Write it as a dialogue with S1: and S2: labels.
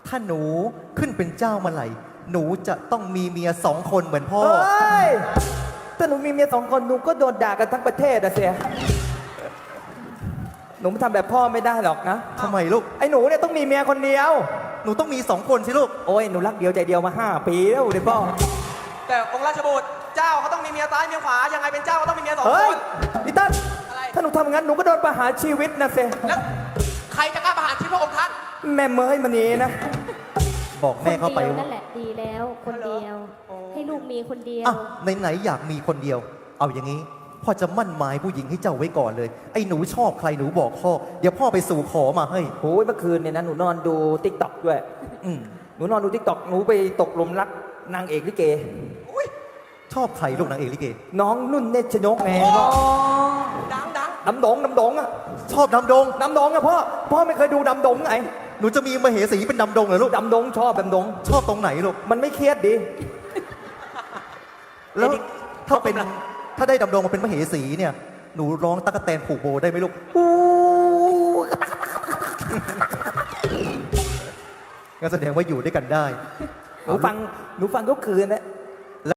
S1: ถ้าหนูขึ้นเป็นเจ้าเมื่อไหร่หนูจะต้องมีเมีย2 คนเหมือนพ่อ
S2: เฮ้ยถ้าหนูมีเมีย2 คนหนูก็โดนด่ากันทั้งประเทศอะเสียหนูทำแบบพ่อไม่ได้หรอกนะ
S1: ทำไมลูก
S2: ไอ้หนูเนี่ยต้องมีเมียคนเดียว
S1: หนูต้องมี2 คนสิลูก
S2: โอ้ยหนูรักเดียวใจเดียวมา5 ปีแล้วเดี๋ยวพ่อ
S3: แต่องค์ราชบุตรเจ้าเขาต้องมีเมียซ้ายเมียขวายังไงเป็นเจ้าก็ต้องมีเมีย2
S2: เฮ้
S3: ค
S2: ย
S3: น
S2: พี่ตั้น
S3: อะไร
S2: ถ้าหนูทำงั้นหนูก็โดนประหารชีวิตนะเสีย
S3: แล้วใครจะกล้าประหารชีวิตพระองค์ท่าน
S2: แม่เมยมันนี้นะ
S1: บอก
S4: ค
S1: แม่
S4: น
S1: เข้าไป
S4: เดียว
S1: ว่า
S4: นั่นแหละดีแล้วคนเดียว ให้ลูกมีคนเดียว
S1: อ่ะไหนๆอยากมีคนเดียว เอาอย่างนี้พ่อจะมั่นหมายผู้หญิงให้เจ้าไว้ก่อนเลย ไอ้หนูชอบใครหนูบอกพ่อเดี๋ยวพ่อไปสู่ขอมาให้
S2: โอ้ยเมื่อคืนเนี่ยนะหนูนอนดูติ๊กต็อกด้วย
S1: อืม
S2: หนูนอนดูติ๊กต็อกหนูไปตกหลุมรักนางเอกลิเก
S1: ชอบใครลูกนางเอกลิเก
S2: น้องนุ่นเนชนกไงพ่อ
S3: ดัง
S2: น้ำดงอะ
S1: ชอบดำดง
S2: น้ำดงอะพ่อไม่เคยดูดำดงไง
S1: หนูจะมีมเหสีเป็นดำดงเหรอลูก
S2: ดำดงชอบดำดง
S1: ชอบตรงไหนลูก
S2: มันไม่เครียดดี
S1: แล้วถ้าได้ดำดงมาเป็นมเหสีเนี่ยหนูร้องตั๊กแตนผูกโบได้ไหมลูกงั้นแสดงว่าอยู่ด้วยกันได้
S2: หนูฟังทุกคืนนะ